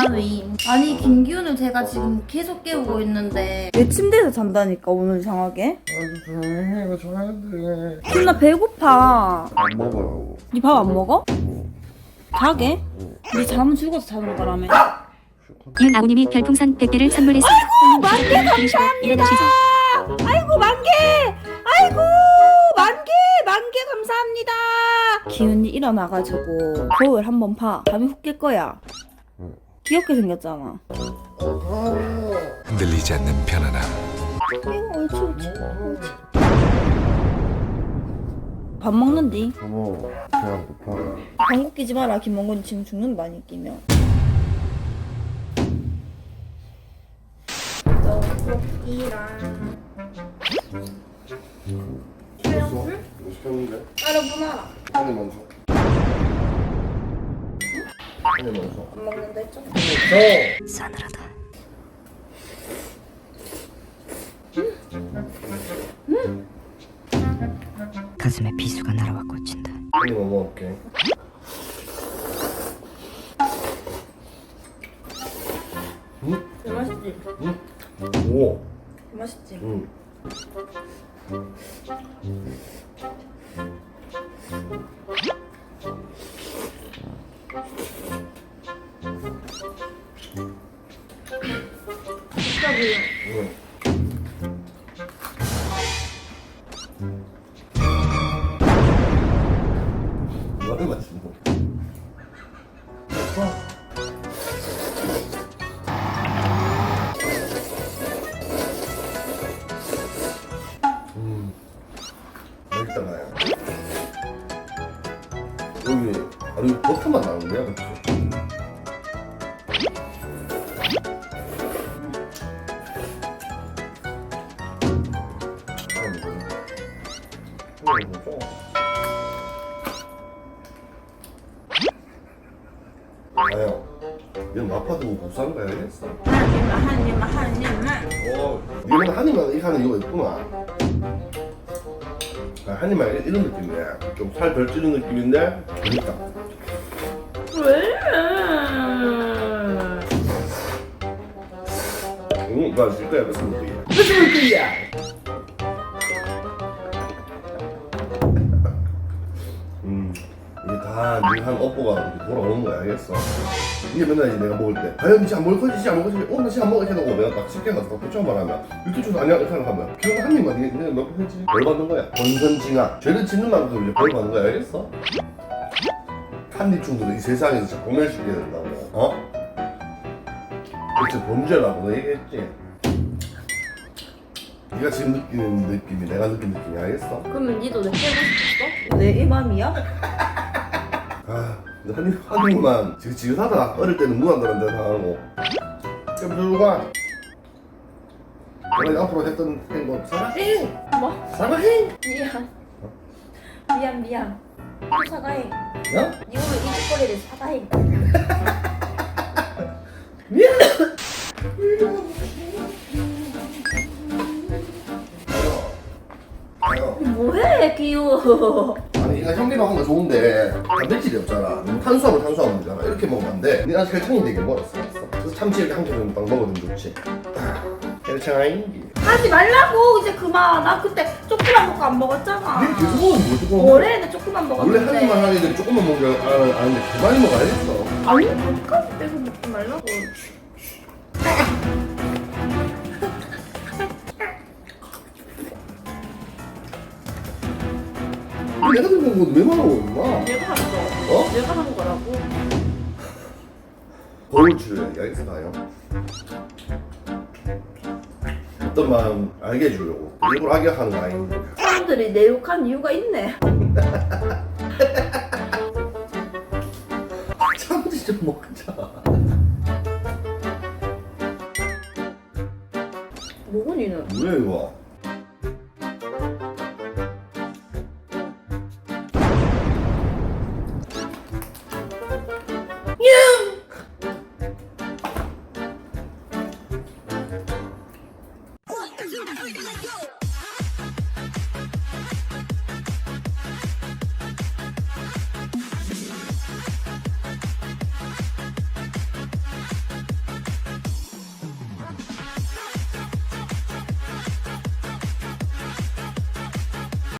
위. 아니 김기훈을 제가 지금 계속 깨우고 있는데 내 침대에서 잔다니까 오늘 이상하게. 아주 조용히 해. 이거 자야 돼. 지금 나 배고파. 안 먹어요. 니 밥 안 먹어? 자게? 니 잠은 죽어서 자는 거라며. 이은아우님이 별풍선 100개를 선물했습니다. 아이고 만개 감사합니다. 아이고 만개. 아이고 만개 감사합니다. 기훈이 일어나가지고 거울 한번 봐. 잠이 훅 깰 거야. 귀엽게 생겼잖아. 흔들리지 않는 편안함. 아이고 옳지. 밥 먹는디? 어머, 배안 고파. 방귀 끼지 마라. 김mon곤이 지금 죽는다 많이 끼면. 떡볶이랑 시켰어? 뭐 시켰는데? 따로 문화라. 한입 먼저. 한입 먼저. 안 먹는다 했죠? 싸늘하다. 가슴에 비수가 날아와 꽂힌다. 한입 먹어볼게. 맛있지? 오. 맛있지? 응. 진짜 그 응. 뭐하는 맛이 뭐? 맛있다 나요. 여기 아니 버터만 나오는데요, 그렇지? 아요. 얘는 마파두부 복수한 거야, 알겠어? 한 입만. 이거는 한 입만 이렇게 하는 이유가 있구나. 한 입만 이런 느낌이네. 좀 살 덜 찌는 느낌인데 재밌다. 왜? 응, 나 질 거야, 무슨 느낌이야? 무슨 느낌이야? 이게 다 한 업보가 이렇게 돌아오는 거야, 알겠어? 이게 맨날 이제 내가 먹을 때 과연 진짜 안 먹을 거지, 진짜 안 먹을 거지, 나 진짜 안 먹을 거지 해놓고 내가 딱 쉽게 가서 딱 표정 말하면 이렇게 줘서 아니야 이렇게 하면 그냥 한 입만 이게 몇 번이지? 벌 받는 거야. 권선징악. 죄를 짓는 만큼 이제 벌 받는 거야, 알겠어? 한입 중독을 이 세상에서 진짜 공멸시켜야 된다고. 어? 그치, 범죄라고 너 얘기했지? 네가 지금 느끼는 느낌이 내가 느낀 느낌이 알겠어? 그러면 니도 내 깨고 싶었어? 내 이 맘이야? 아, 한 입만 지긋하다. 어릴 때는 무한도란 데서 하고 좀 들어가. 내가 앞으로 했던 행동 사랑해! 뭐? 사랑해! 미안. 또 사과해. 어? 니 오늘 이 짓거리를 사과해. 미안! 아요. 뭐해 귀여워. 아니 이거 현미밥 한거 좋은데 단백질이 없잖아. 너무 탄수화물 문제잖아. 이렇게 먹으면 안 돼. 네가 혈청이 되게 멀었어. 그래서 참치 이렇게 한 개는 딱 먹어도 좋지. 혈청아잉. 하지 말라고 이제 그만. 나 그때 조그만 먹고 안 먹었잖아. 네 계속 먹으면 뭘 조금 올해는 조그만 원래 먹었는데. 한 입만 하는 애들이 조금만 먹는 줄 아는데 그 많이 먹어야겠어. 아니 밥까지 빼서 먹지 말라고. 내가 들은 건왜 말하고 임마? 내가 한 거. 어? 내가 한 거라고. 거울 줄여야지. 알겠어 가요. 어떤 마음 알게 해주려고 일부러 악역하는 거 아닌데. 사람들이 내 욕한 이유가 있네. 참지 좀 먹자. 뭐고 니는? 뭐야 이거?